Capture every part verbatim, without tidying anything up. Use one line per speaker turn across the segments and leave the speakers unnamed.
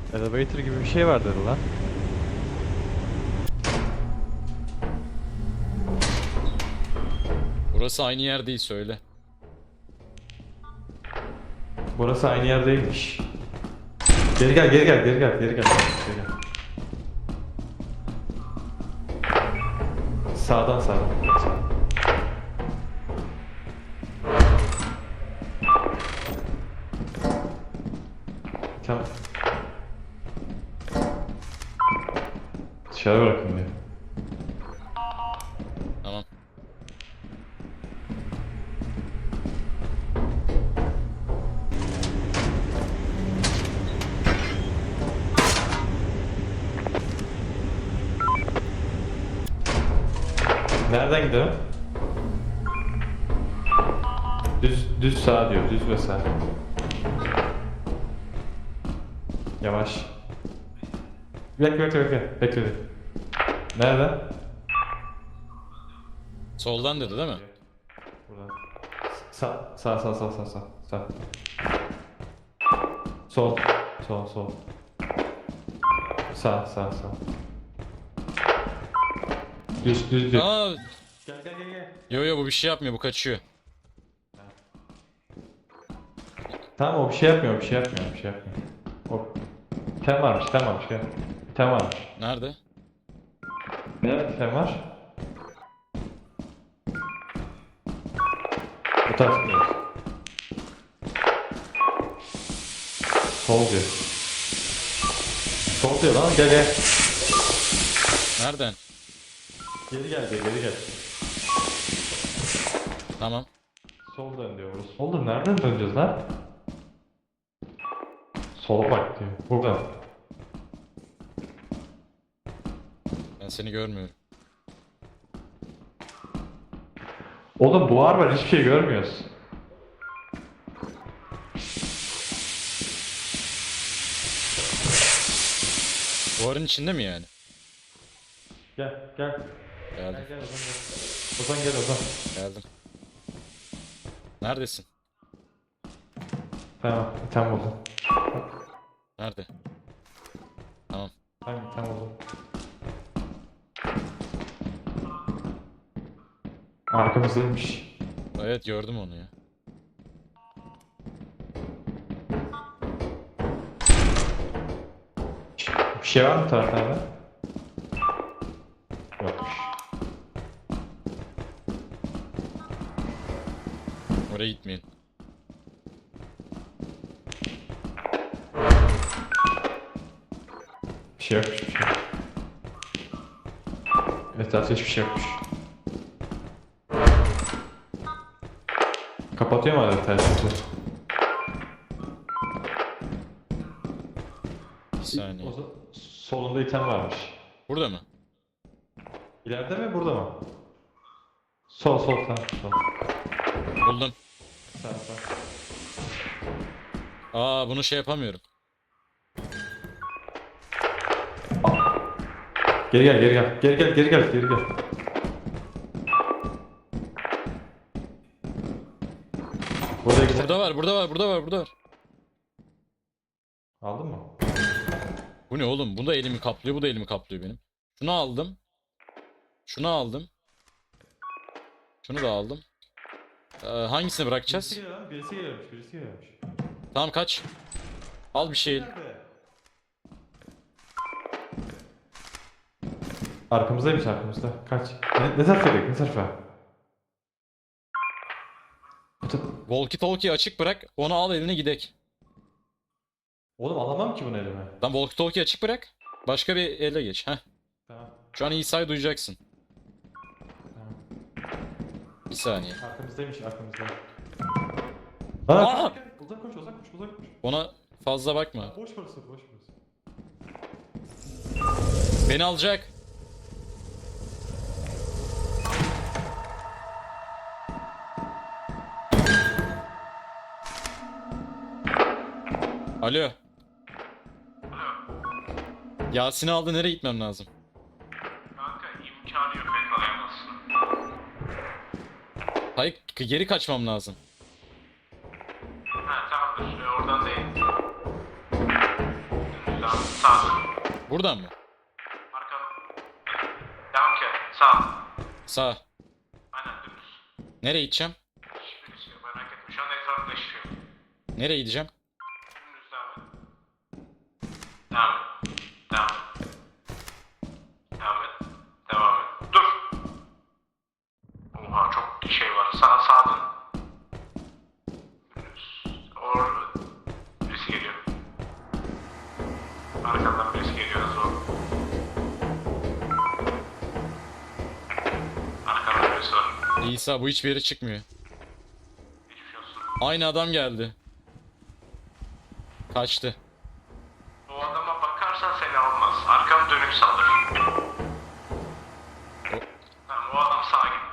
Elevator gibi bir şey vardır lan.
Burası aynı yer değil, söyle.
Burası aynı yer değilmiş. Geri gel, geri gel, geri gel, geri gel. Geri gel. Sağdan sağdan. Tamam. Dışarı bırakın diyor.
Tamam.
Nereden gidelim? Düz, düz sağ diyor, düz ve sağ. Yavaş. Bekle, bekle, bekle, bekle. Nereden?
Soldan dedi değil mi?
Buradan. Sağ, sağ, sağ, sağ, sağ, sağ, sağ. Sol, sol, sol. Sağ, sağ, sağ. Düz, düz, düz.
Aa,
Gel, gel, gel, gel.
yo yo, bu bir şey yapmıyor, bu kaçıyor.
Tamam, o bir şey yapmıyor, bir şey yapmıyor, bir şey yapmıyor. O tem varmış, tem varmış, gel. Tem varmış.
Nerede?
Ne tem var? Bu taraf gidiyoruz. Sol diyor. Sol diyor lan, gel gel.
Nereden?
Geri gel, gel, geri gel.
Tamam.
Sol dön diyor burası. Oğlum nereden döneceğiz lan? Sola bak diyor. Buradan.
Ben seni görmüyorum.
Oğlum buhar var, hiçbir şey görmüyoruz.
Duvarın içinde mi yani?
Gel, gel. Gel,
Geldim.
gel, Ozan gel. Ozan gel, Ozan.
Geldim. Neredesin?
Tamam, tam buldum.
Nerede? Tamam.
Tamam, tam buldum. Arkamızdaymış.
Evet, gördüm onu ya.
Bir şey var mı taraflarda? Yokmuş.
Oraya gitmeyin.
Bir şey yokmuş, bir şey yok. Etrafta hiçbir şey yokmuş. Kapatıyor mu hala telsizi?
Bir saniye.
O zaman solunda item varmış.
Burada mı?
İleride mi, burada mı? Sol, sol, tamam, sol.
Buldum.
Sağ, sağ.
Aa, bunu şey yapamıyorum.
Geri gel, geri gel. Geri gel, geri gel, geri gel. Burada iki
Burada var, burada var, burada var, burada var.
Aldın mı?
Bu ne oğlum? Bu da elimi kaplıyor, bu da elimi kaplıyor benim. Şunu aldım. Şunu aldım. Şunu da aldım. Ee, hangisini bırakacağız?
Birisi geliyor lan, birisi geliyormuş, birisi geliyormuş.
Tamam, kaç. Al bir şey.
Nerede? Arkamızdaymış, arkamızda. Kaç. Ne, ne tarafa gidelim, ne tarafa? Bu ta-
Walkie talkie açık bırak. Onu al, eline gidek.
Oğlum alamam ki bunu elime.
Lan walkie talkie açık bırak. Başka bir ele geç. Heh.
Tamam,
Şu an İsa'yı duyacaksın.
tamam.
Bir saniye.
Arkamızdaymış, arkamızda.
Aa!
Aa! Uzak koş, uzak koş, uzak koş.
Ona fazla bakma.
Boş burası, boş burası.
Beni alacak. Alo. Yasin'i aldı, nereye gitmem lazım?
Kanka imkanı yok yakalayamazsın.
Hayır, geri kaçmam lazım.
Ha tamamdır. Ee, oradan değil. Dümdüz Devam. Sağ dur.
Buradan mı?
Arkan. Devam ki. Sağ.
Sağ.
Aynen dümdüz.
Nereye gideceğim?
Hiçbirisi yok merak etme. Şu anda etrafında hiçbir şey yok.
Nereye gideceğim?
Dümdüz devam et. Devam et. Devam et. Devam et. Devam et. Dur. Oha çok şey var. Sağ sağ dön. Dümdüz. Or birisi geliyor. Arkandan birisi geliyor zor. Arkandan birisi var.
İsa bu hiçbir yere çıkmıyor.
Geçmiş olsun.
Aynı adam geldi. Kaçtı.
O adama bakarsan seni almaz. Arkanı dönüp saldır. Tamam o adam sağa git.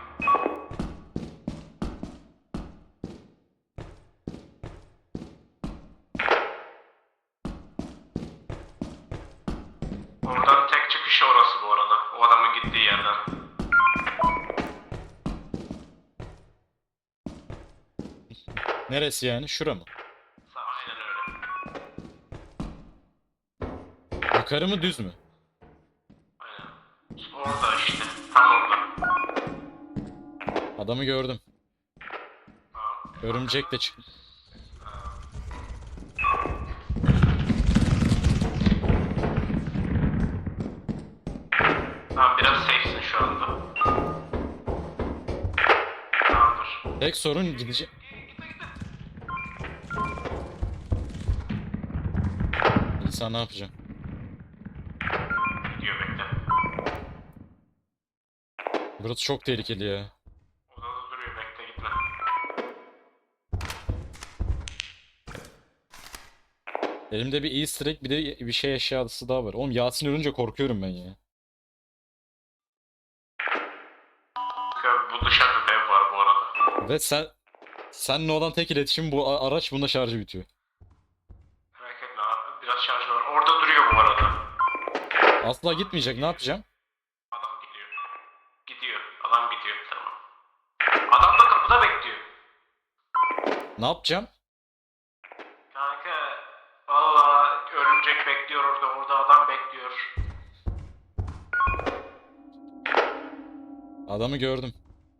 Oradan tek çıkışı orası bu arada. O adamın gittiği yerden.
Neresi yani? Şura mı?
Sağ aynen öyle.
Yukarı mı düz mü?
Aynen. Orada işte. Tam orada.
Adamı gördüm.
Tamam.
Örümcek de çıktı.
Tamam biraz safe'sin şu anda. Tamamdır.
Tek sorun gidecek. İsa ne yapacağım?
Gidiyor bekle.
Burası çok tehlikeli ya.
Odada duruyor bekle gitme.
Elimde bir easter egg bir de bir şey eşyası daha var. Oğlum Yasin ölünce korkuyorum ben ya.
Bu dışarıda dev var bu arada.
Ve sen seninle olan tek iletişim bu a- araç bunda şarjı bitiyor.
Merak etme abi. Biraz şarj var. Orada duruyor bu arada.
Asla gitmeyecek, ne yapacağım?
Adam gidiyor. Gidiyor. Adam gidiyor. Tamam. Adam da kapıda bekliyor.
Ne yapacağım?
Kanka. Valla örümcek bekliyor orada. Orada adam bekliyor.
Adamı gördüm.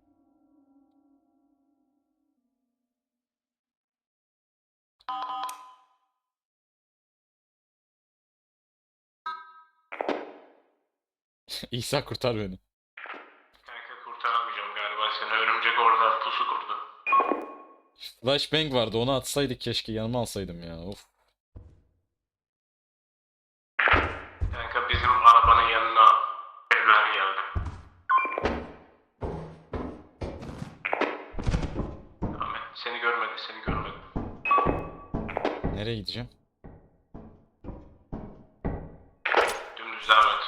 İsa kurtar beni.
Kanka kurtaramayacağım galiba seni. Örümcek orada pusu kurdu.
Flashbang vardı, onu atsaydık keşke, yanıma alsaydım ya. Of.
Kanka bizim arabanın yanına evler geldi. Ahmet seni görmedi, seni görmedi.
Nereye gideceğim?
Dümdüz devam et.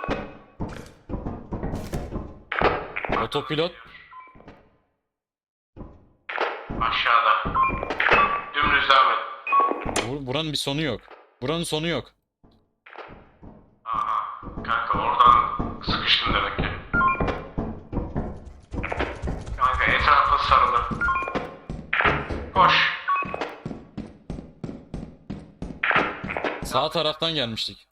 Otopilot.
Aşağıda. Dümdüz devam et.
Bu- buranın bir sonu yok. Buranın sonu yok.
Aha. Kanka oradan sıkıştın demek ki. Kanka etrafta sarılı. Koş.
Sağ taraftan gelmiştik.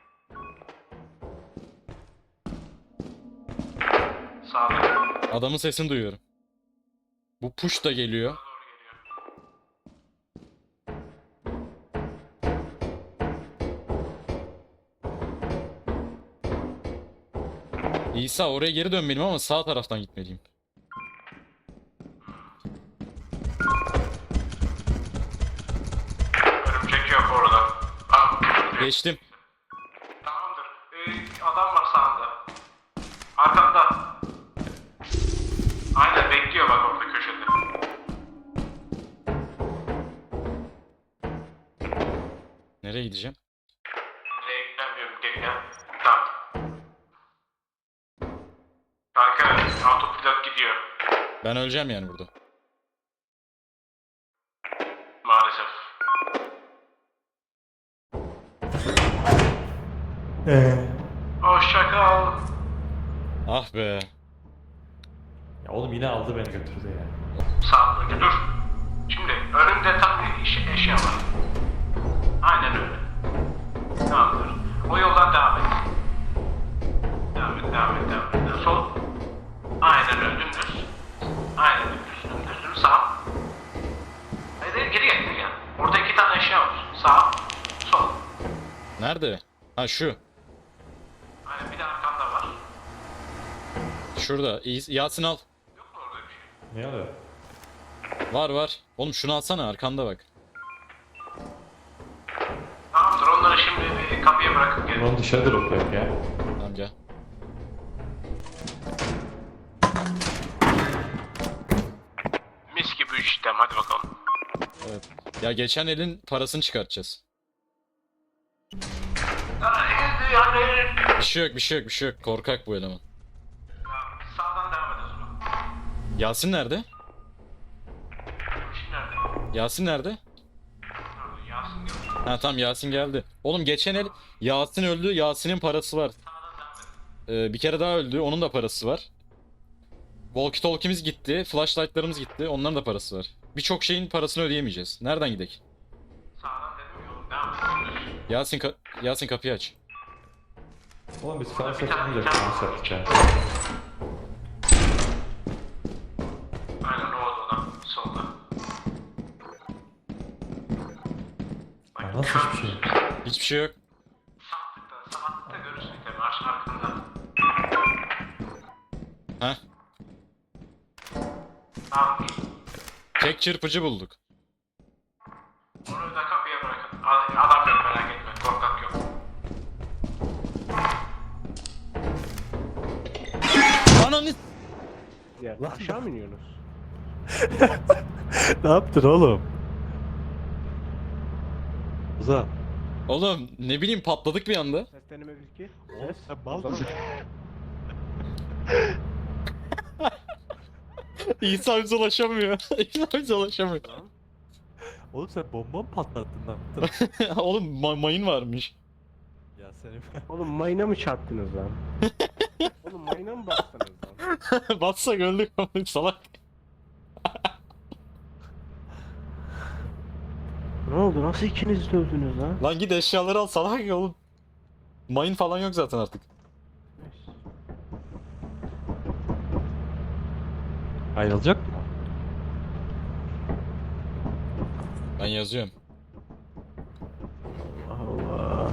Sağda.
Adamın sesini duyuyorum. Bu push da geliyor.
Doğru geliyor.
İsa oraya geri dönmeliyim ama sağ taraftan gitmeliyim.
Örümcek yok orada. Ah,
Geçtim.
tamamdır. Ee, adam var sağında. Arkanda. Aynen bekliyor bak orada köşede.
Nereye gideceğim?
Nereye gidemiyorum gel gel. Tamam. Kanka autopilot gidiyor.
Ben öleceğim yani burada.
Maalesef.
Eee.
Hoşça kal.
Ah be.
Ya oğlum yine aldı beni götürdü ya.
Sağ önce dur. Şimdi önümde tam bir iş, eşya var. Aynen öyle. Tamam
Nerede? Ha şu.
Aynen bir de arkanda var.
Şurada. İyi- Yasin al.
Yok mu orada bir şey?
Ne oluyor?
Var var. Oğlum şunu alsana arkanda bak.
Tamamdır onları şimdi bir kapıya bırakıp gelin.
Onu dışarıda bırakıyor ya.
Tamam gel.
Mis gibi üç işlem hadi bakalım.
Evet. Ya geçen elin parasını çıkartacağız.
Hadi yani.
Bir şey yok bir şey yok bir şey yok. Korkak bu eleman.
Sağdan devam ederiz o zaman.
Yasin nerede?
İşin nerede?
Yasin nerede?
Yasin geldi.
Ha tamam Yasin geldi. Oğlum geçen el Yasin öldü. Yasin'in parası var.
Sağdan devam edin.
Ee, bir kere daha öldü. Onun da parası var. Walkie talkie'miz gitti. Flashlight'larımız gitti. Onların da parası var. Birçok şeyin parasını ödeyemeyeceğiz. Nereden gidelim?
Sağdan dedim yolum devam edin.
Yasin ka- Yasin kapıyı aç.
Oğlum biz falan satmayacaktık. Bunu sattık ya.
Aynen o odadan solda.
Ya nasıl hiçbir şey?
Hiçbir şey yok.
Sağlıkta, sağlıkta görürsün tabii arş arkanda.
Heh.
Tamam.
Tek çırpıcı bulduk.
Onu da kapıya bırakın. A- Adam yok merak etme. Korkak yok.
Ananı...
Ya aşağı mı iniyorsunuz?
Ne yaptın oğlum? Uza.
Oğlum ne bileyim patladık bir anda.
Ses deneme bir iki.
Oğlum
Ses.
sen mal
Tamam.
mısın?
İsa bize ulaşamıyor. İsa bize ulaşamıyor.
Oğlum sen bomba mı patlattın lan? Dur.
Oğlum ma- mayın varmış.
Ya senin...
Oğlum mayına mı çarptınız lan? Oğlum mayına mı bastınız lan?
Batsak öldük oğlum salak.
Ne oldu? Nasıl ikiniz de öldünüz lan?
Lan git eşyaları al salak ya oğlum. Mayın falan yok zaten artık.
Ayrılacak mı?
Ben yazıyorum.
Allah.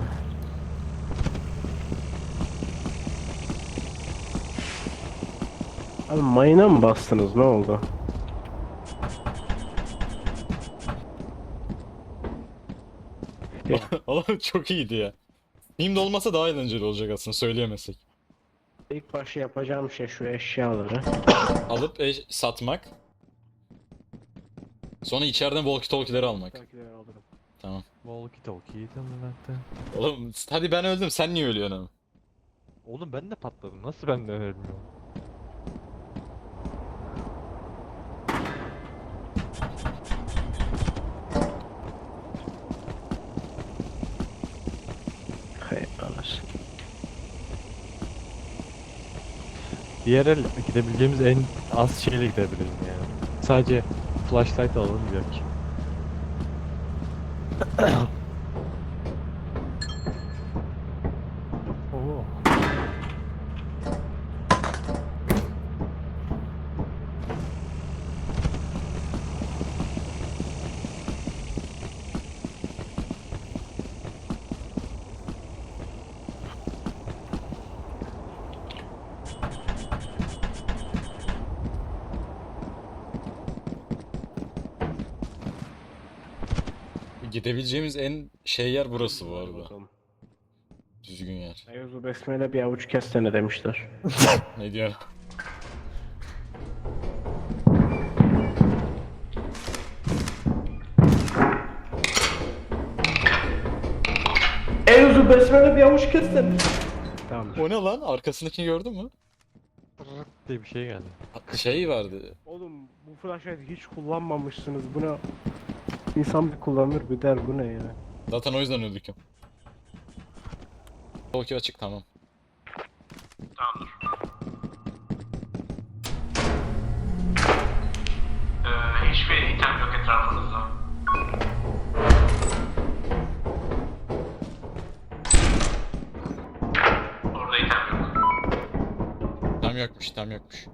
Abi mayına mı bastınız? Ne oldu?
Oğlum çok iyiydi ya. Team'de olmasa daha eğlenceli olacak aslında söyleyemezsek.
İlk başta yapacağım şey şu eşyaları.
Alıp eş- satmak. Sonra içeriden walkie talkie'leri almak.
Takileri alırım.
Tamam.
Walkie talkie tanımakta.
Oğlum hadi ben öldüm sen niye ölüyorsun ama?
Oğlum ben de patladım. Nasıl ben de ölmüyorum?
Hay anasını.
Diğer el gidebileceğimiz en az şeyle gidebiliriz yani. Sadece flashlight alalım belki. Oo.
Gidebileceğimiz en şey yer burası bu
Hadi
arada.
bakalım.
Düzgün yer.
Eyüzü besmele bir avuç kestene demişler.
Ne diyor?
Eyüzü besmele bir avuç kestene. Tamam.
O ne lan? Arkasındakini gördün mü?
Rrrt diye bir şey geldi.
Şey vardı.
Oğlum bu flashlight hiç kullanmamışsınız. Buna insan bir kullanır bir der bu ne ya?
Zaten o yüzden öldük ya. Walkie açık tamam.
Tamamdır. Ee, hiçbir item yok etrafınızda. Orada item yok.
Tam yokmuş tam yokmuş.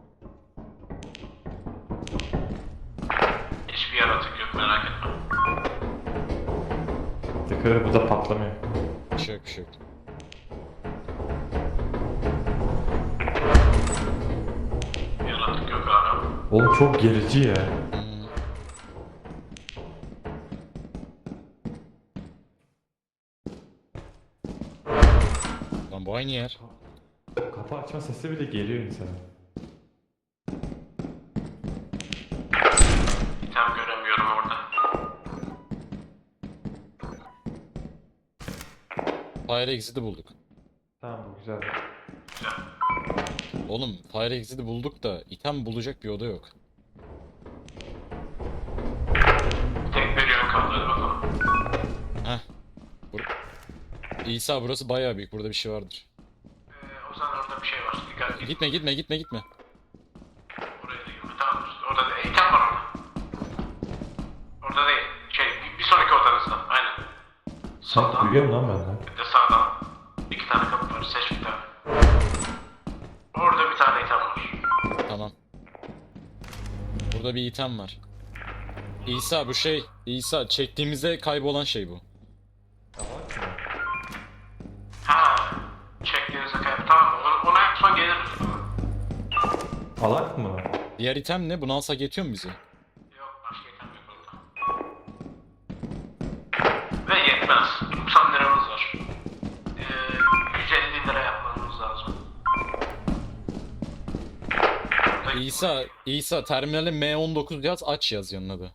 Hiçbir yaratık yok merak etme.
Tıkırı bu da patlamıyor.
Bir şey yok, bir şey yok.
Yaratık yok abi.
Oğlum çok gerici ya.
Hmm. Lan bu aynı yer.
Kapı açma sesi bile geliyor insana.
İtem göremiyorum orada.
Fire Exit'i bulduk.
Tamam bu güzel.
Güzel.
Oğlum Fire Exit'i bulduk da item bulacak bir oda yok.
Tek bir yön kaldı, hadi bakalım.
Heh. Bur İsa burası bayağı büyük. Burada bir şey vardır.
Ee, o zaman orada bir şey var. Dikkat et.
Gitme gitme gitme gitme.
Oraya da girme. Tamam. Orada da item var orada. Orada değil. Şey, bir, bir sonraki odanızda. Aynen.
Sen
Soldan.
duyuyorum lan benden.
Bir de sağdan. İki tane kapı var. Seç bir tane. Orada bir tane item var.
Tamam. Burada bir item var. İsa bu şey. İsa çektiğimizde kaybolan şey bu.
Ha. Çektiğinizde kaybı. Tamam. Ona, ona en son geliriz.
Alak mı?
Diğer item ne? Bunu alsak yetiyor mu bize?
Yok. Başka item yok orada. Ve yetmez. doksan liramız var. Ee, yüz elli lira yapmamız lazım. Burada-
İsa, İsa terminale M on dokuz yaz, aç yaz yanına da.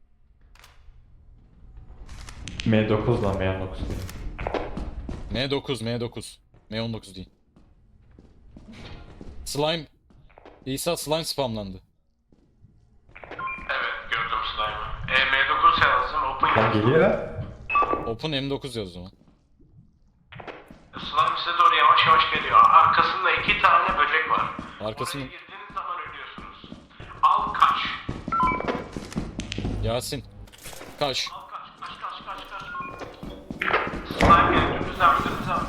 M dokuz lan M dokuz değil.
M dokuz, M dokuz. M on dokuz değil. Slime. İsa slime spamlandı.
Evet, gördüm slime'ı. E, M dokuz yazdım, open
Lan
yazdım.
geliyor ya.
Open M dokuz yaz o zaman.
Slime size doğru yavaş yavaş geliyor. Arkasında iki tane böcek var.
Arkasında-
Oraya girdiğiniz zaman ölüyorsunuz. Al kaç.
Yasin. Kaç.
Al kaç, kaç, kaç, kaç, kaç. Slime geliyor, dümdüz devam, dümdüz devam.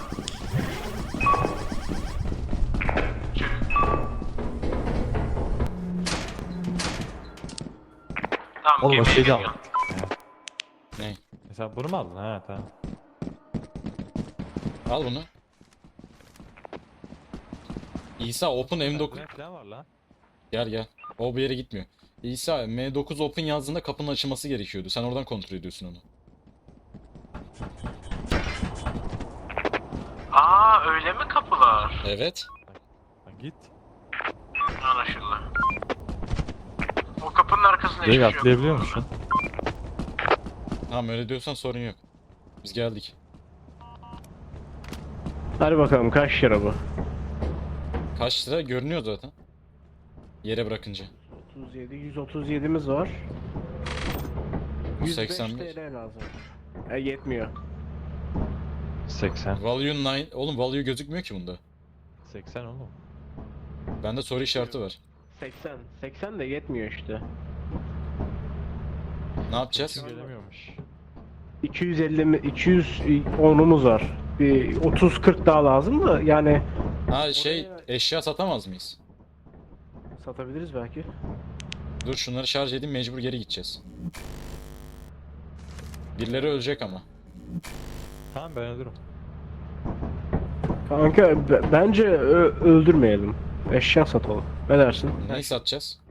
Çık. Tamam,
Oğlum o
gemiye
şeyi de
geliyor.
aldık.
Ne?
Mesela bunu mu aldın? Ha tamam.
Al bunu. İsa Open M dokuz.
Ne falan var lan?
Gel gel. O bir yere gitmiyor. İsa M dokuz Open yazdığında kapının açılması gerekiyordu. Sen oradan kontrol ediyorsun onu.
Aa, öyle mi kapılar?
Evet.
Lan git.
Anlaşıldı. O kapının arkasında hiçbir
Direkt
şey yok.
atlayabiliyor musun?
Tamam öyle diyorsan sorun yok. Biz geldik.
Hadi bakalım kaç lira bu?
Kaç lira görünüyor zaten. Yere bırakınca.
otuz yedi, yüz otuz yedimiz var.
Bu
yüz beş
seksen beş.
T L lazım. E yetmiyor.
seksen.
Value dokuz. Oğlum value gözükmüyor ki bunda.
seksen oğlum.
Bende soru işareti var.
seksen. seksen de yetmiyor işte.
Ne yapacağız?
Gelemiyormuş.
iki yüz elli mi iki yüz onumuz var. Bir otuz kırk daha lazım da yani
Ha şey eşya satamaz mıyız?
satabiliriz belki.
Dur şunları şarj edeyim, mecbur geri gideceğiz. Birileri ölecek ama.
Tamam ben ölürüm.
Kanka b- bence ö- öldürmeyelim. Eşya satalım. Ne dersin?
Neyi satacağız?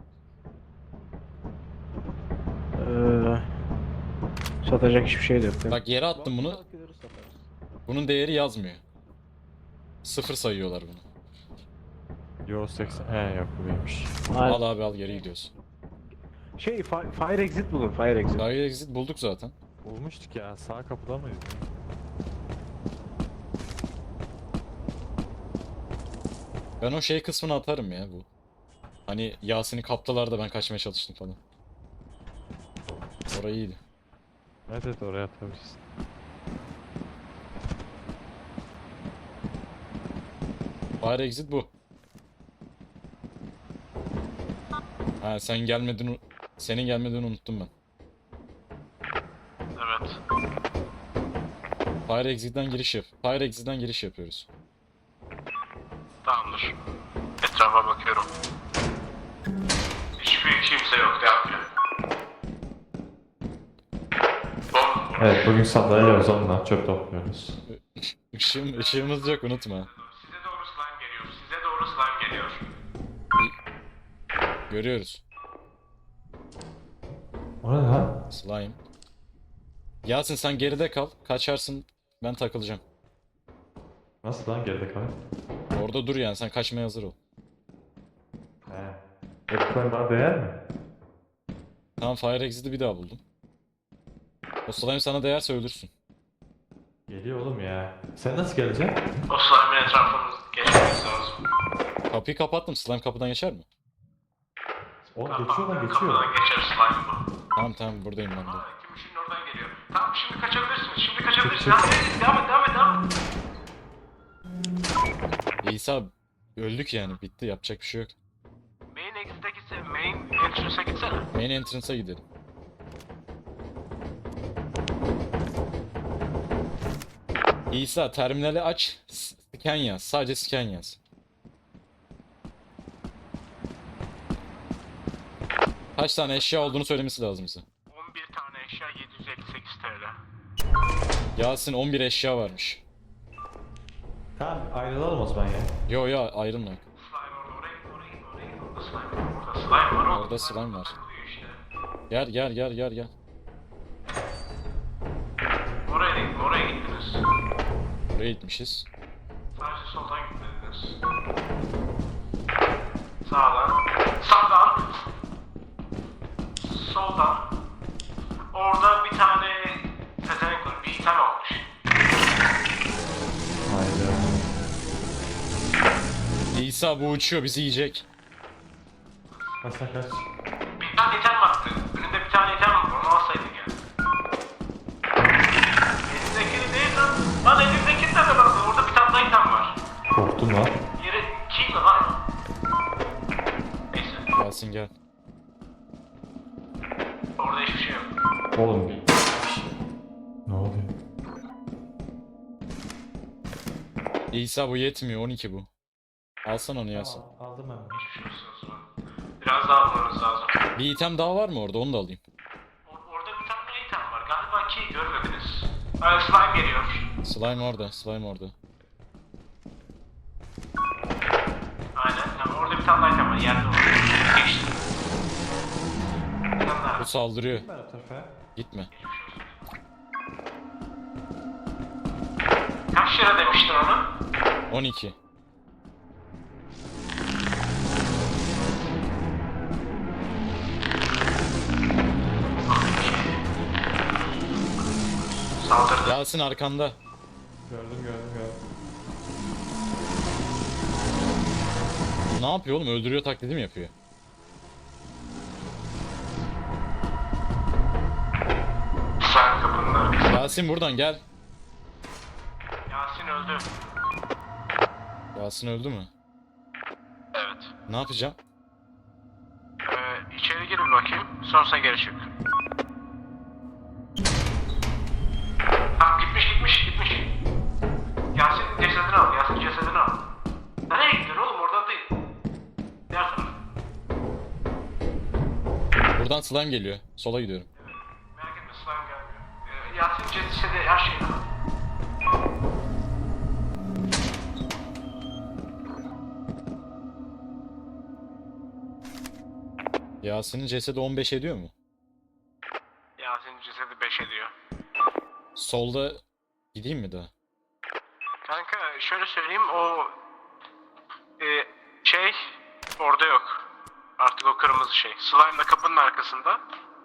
Ee, satacak hiçbir şey de yok.
Bak yere attım bunu.
Balıkları satarız.
Bunun değeri yazmıyor. Sıfır sayıyorlar bunu.
Yo seksen. He yok bu değilmiş.
Aynen.
Al abi al, geri gidiyoruz.
Şey fi- Fire Exit bulun Fire Exit.
Fire exit bulduk zaten.
Bulmuştuk ya. Sağ kapıda mıydı?
Ben o şey kısmını atarım ya bu. Hani Yasin'i kaptılar da ben kaçmaya çalıştım falan. Orayı iyiydi.
Evet evet oraya atabilirsin.
Fire exit bu. Ha sen gelmedin, senin gelmediğini unuttum ben.
Evet.
Fire exit'ten giriş yap. Fire exit'ten giriş yapıyoruz.
Tamamdır. Etrafa bakıyorum. Hiçbir kimse yok. Devam edelim. Bom.
Evet, bugün sandalye Ozan'la çöp topluyoruz.
Işığım, ışığımız yok unutma.
Size doğru slime geliyor. Size doğru slime geliyor.
Görüyoruz.
O ne lan?
Slime. Yasin sen geride kal. Kaçarsın. Ben takılacağım.
Nasıl lan geride kalan?
Orada dur yani sen kaçmaya hazır ol.
He. Hepsinden bana değer mi?
Tamam Fire Exit'i bir daha buldum. O slime sana değerse ölürsün.
Geliyor oğlum ya. Sen nasıl geleceksin?
O slime'ın etrafını geçmemiz lazım.
Kapıyı kapattım. Slime kapıdan geçer mi?
Oğlum geçiyor lan geçiyor.
Kapıdan geçer slime bu.
Tamam tamam buradayım ben de.
Aa, Gümüşün oradan geliyor. Tamam şimdi kaçabilirsiniz. Şimdi kaçabilirsiniz. Devam et, devam et, devam et, devam et.
İsa öldük yani bitti yapacak bir şey yok.
Main exit'e gitse, main entrance'a gitsene.
Main entrance'a gidelim. İsa terminali aç. s- Scan yaz. Sadece scan yaz. Kaç tane eşya olduğunu söylemesi lazım bize.
on bir tane eşya yedi yüz elli sekiz T L.
Yasin on bir eşya varmış.
Tamam ayrılalım o zaman ya.
Yo yo ayrılma.
Slime orada, oraya git, oraya git, oraya git. Orada slime var, orada slime var.
Orada slime var.
takılıyor işte.
Gel gel gel gel gel.
Oraya gittin, oraya gittiniz.
Buraya gitmişiz.
Sadece soldan gitmediniz. Sağdan. Sağdan. Soldan. Orada bir tane pezevenk var. Bir item olmuş.
Haydi.
İsa bu uçuyor bizi yiyecek.
Kaç sen kaç.
Bir tane item vardı. Önünde bir tane item var. Onu alsaydın ya. Elindekini değil lan. Lan elindekini de lan. Orada bir tane daha item var.
Korktum lan.
Yeri kim lan? Neyse.
Yasin gel.
Orada hiçbir şey yok.
Oğlum bir... Ne oluyor?
İsa bu yetmiyor on iki bu. Alsana onu Yasin.
Tamam, aldım ben.
Hiçbir şey yok o zaman. Biraz daha almanız lazım.
Bir item daha var mı orada onu da alayım.
Or- orada bir tane daha item var. Galiba ki görmediniz. Ee, slime geliyor.
Slime orada slime orada.
Aynen. Yani orada bir tane daha item var. Yerde var. Geçti. Bir tane daha.
Bu saldırıyor.
Ben o tarafa.
Gitme.
Kaç lira demiştin onu?
on iki.
Saldırdı.
Yasin arkanda.
Gördüm gördüm gördüm.
Ne yapıyor oğlum öldürüyor taklidi mi yapıyor?
Sen kapının arkasında.
Yasin buradan gel.
Yasin öldü.
Yasin öldü mü?
Evet.
Ne yapacağım?
Ee, içeri gir bir bakayım. Sonrasında geri çık. Tamam gitmiş gitmiş gitmiş. Yasin'in cesedini al. Yasin'in cesedini al. Nereye gittin oğlum? Oradan değil. Diğer taraf.
Buradan slime geliyor. Sola gidiyorum.
Merak etme slime gelmiyor. Ee, Yasin'in cesedi her şeyini al.
Yasin'in cesedi on beş ediyor mu?
Yasin'in cesedi beş ediyor.
Solda gideyim mi daha?
Kanka şöyle söyleyeyim o e, şey orada yok. Artık o kırmızı şey. Slime da kapının arkasında.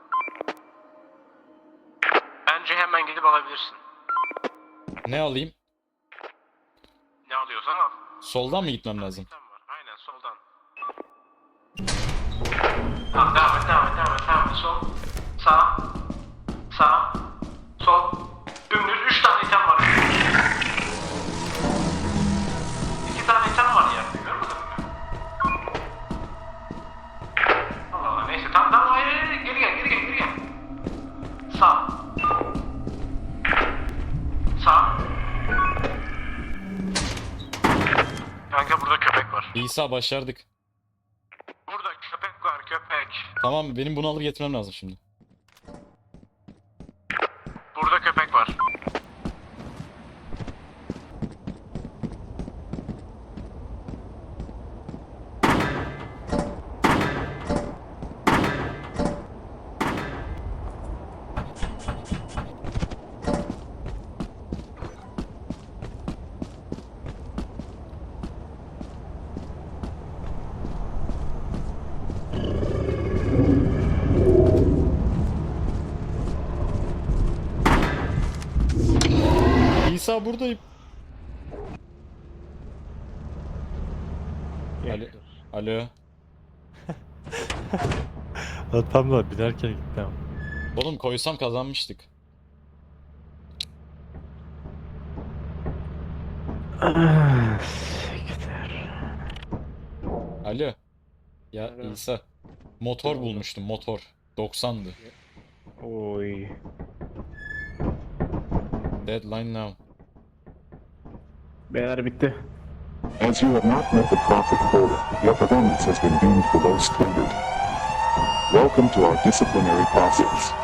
Bence hemen gidip alabilirsin.
Ne alayım?
Ne alıyorsan al.
Soldan mı gitmem lazım?
Tam var. Aynen soldan. Tamam devam et devam et devam et devam et. Sol. Sağ. Sağ. Sol. Dümdüz üç tane item var. İki tane item var yerde. Görmedin mi? Allah Allah neyse tamam tamam hayır hayır hayır. Geri gel geri gel geri gel. Sağ. Sağ. Kanka burada köpek var.
İsa başardık.
Burada köpek var köpek.
Tamam benim bunu alıp getirmem lazım şimdi.
Burada köpek
İsa buradayım. Alo. Alo.
Ha, tam da binerken gitti ama.
Oğlum koysam kazanmıştık. Alo. Ya
Alo.
İsa. Motor bulmuştum motor. doksandı.
Oy.
Deadline now.
Beyler bitti.
As you have not met the profit quota, your performance has been deemed below standard. Welcome to our disciplinary process.